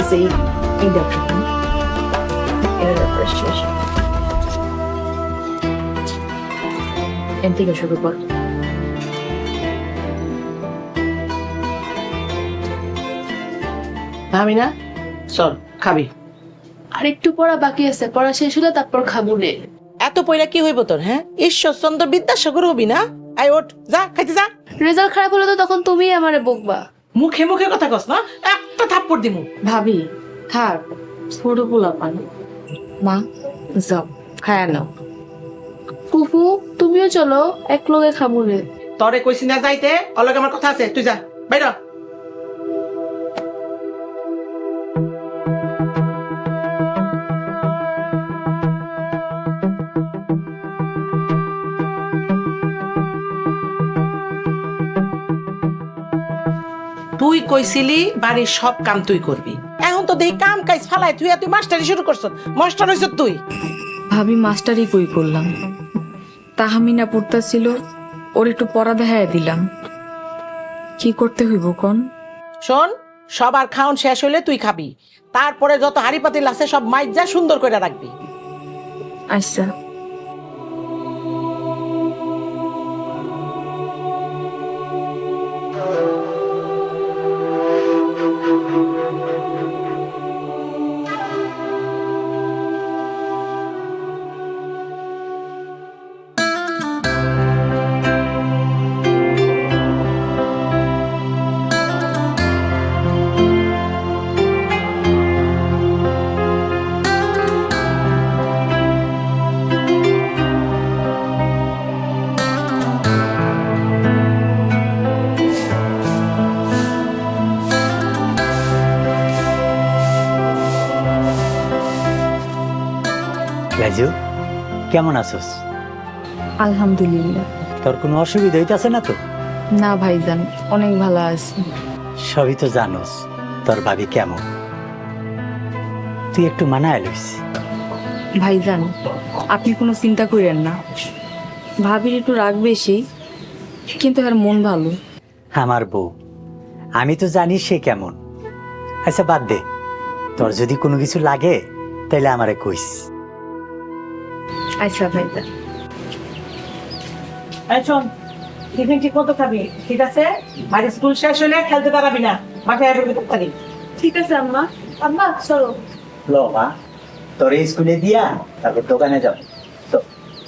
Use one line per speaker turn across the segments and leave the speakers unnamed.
আছে এই দেখো এর ব্যাপারে শেষ এর থেকে শুরু কর
আমি না চল খাবি
আর একটু পড়া বাকি আছে, পড়া শেষ হলে তারপর খাবো রে।
এত পয়লা কি হইব তোর? হ্যাঁ, ঈশ্বরচন্দ্র বিদ্যাসাগর হবি না? আই ওঠ, যা খাইতে যা।
রেজাল্ট খারাপ হলে তো তখন তুমিই আমারে বকবা।
মুখে মুখে কথা কস না, একটা থাপ্পড় দিমু।
ভাবি থাক ছোট পোলা পান মা যাও খায়া নাও
ফুফু তুমিও চলো, এক লগে খাবো রে।
তরে কইছি না যাইতে, অলগে আমার কথা আছে, তুই যা বাইর হ। তুই কইছিলি বাড়ির সব কাম তুই করবি, এখন তো দেই কাম কাজ ফালাই তুই মাস্টারি শুরু করছ। মাস্টার হইছ তুই।
ভাবি মাস্টারই কই করলাম, তাহামিনা পড়তাছিল ওর একটু পড়া দেখায় দিলাম, কি করতে হইব কোন?
শোন, সবার খাওন শেষ হইলে তুই খাবি, তারপরে যত হাড়ি পাতিল আছে সব মাইজ যা সুন্দর করে রাখবি।
আচ্ছা
রাজু, কেমন আছোস?
আলহামদুলিল্লাহ।
তোর কোনো অসুবিধা হইতাছে না তো?
না ভাইজান, অনেক ভালো আছি।
সবই তো জানোস তোর ভাবি কেমন, তুই একটু মানায় লইস।
ভাইজান আপনি কোনো চিন্তা করেন না, ভাবির একটু রাগ বেশি কিন্তু আর মন ভালো।
আমার বউ, আমি তো জানি সে কেমন। আচ্ছা বাদ দে, তোর যদি কোনো কিছু লাগে তাইলে আমারে কইস।
আচ্ছা ভাইজান।
এই শোন, টিফিন ঠিক মতো খাবি, ঠিক আছে? বাড়ি স্কুল শেষ হইলে খেলতে পারবি না, বাসায় আসবি তাড়াতাড়ি।
ঠিক আছে আম্মা। আম্মা চলো।
লো মা, তোর স্কুলে দিয়া তারপর দোকানে যাও তো।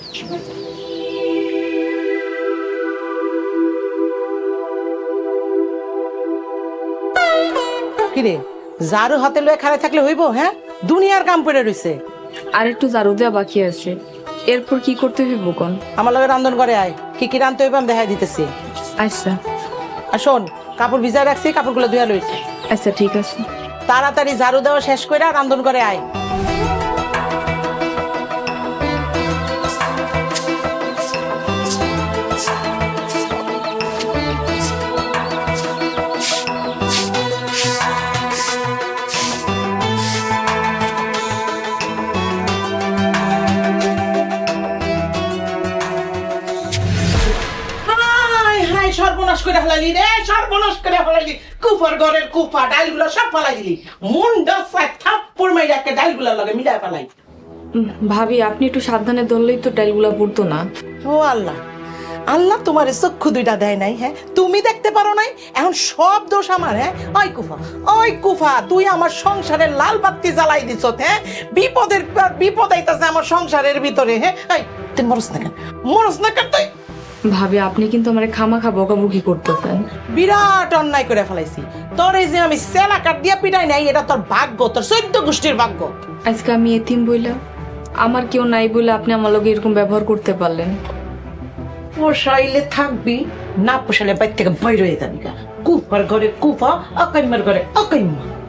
কিরে, ঝাড়ু হাতে লয়ে খাড়া থাকলে হইব? হ্যাঁ, দুনিয়ার কাম পড়ে রইছে।
আর একটু ঝাড়ু দেওয়া বাকি আছে, এরপর কি করতে হইব কোন?
আমার লগে রান্ধন করে আয়, কি কি রান্ধতে হইব আমি দেখাই দিতেছি।
আচ্ছা
আর শোন, কাপড় ভিজায় রাখছি, কাপড়গুলো ধুয়া লইছি।
আচ্ছা ঠিক আছে।
তাড়াতাড়ি ঝাড়ু দেওয়া শেষ করে রান্ধন করে আয়। সর্বনাশ করে ফেলাইলি রে, সর্বনাশ করে ফেলাইলি। কুফার ঘরের কুফা, ডাইলগুলো সব ফেলাই দিলি। মুন্ডা থাপ্পড় মাইরা একটা ডাইলগুলোর লগে মিলাই ফেলাই।
ভাবি আপনি একটু সাবধানে ধরলেই তো ডালগুলা পড়তো না।
ও আল্লাহ, আল্লাহ তোমার চক্ষু দুইটা দেয় নাই? হ্যাঁ, তুমি দেখতে পারো নাই? এখন সব দোষ আমার? হ্যাঁ, ওই কুফা, ওই কুফা, তুই আমার সংসারের লাল বাতি জ্বালাই দিছ। হ্যাঁ, বিপদের পর বিপদ আইতাছে আমার সংসারের ভিতরে। হ্যাঁ, এই তুই মরস না কেন? মরস না কেন তুই?
ভাবি আপনি কিন্তু আমার খামাখা বকাবকি করতেছেন।
বিরাট অন্যায় করে ফেলাইছি। তোর এই যে আমি সেলা কাট দিয়া পিটাই নাই, এটা তোর ভাগ্য, তোর 14 গোষ্ঠীর ভাগ্য।
আজকে আমি এতিম বইলা, আমার কেউ নাই বলে আপনি আমার লগে এরকম ব্যবহার করতে পারলেন।
পোষাইলে থাকবি, না পোষাইলে বাইর থেকে বাইরে হয়ে যাবি। কুফার ঘরে কুফা, অকাইমার ঘরে অকাইমা।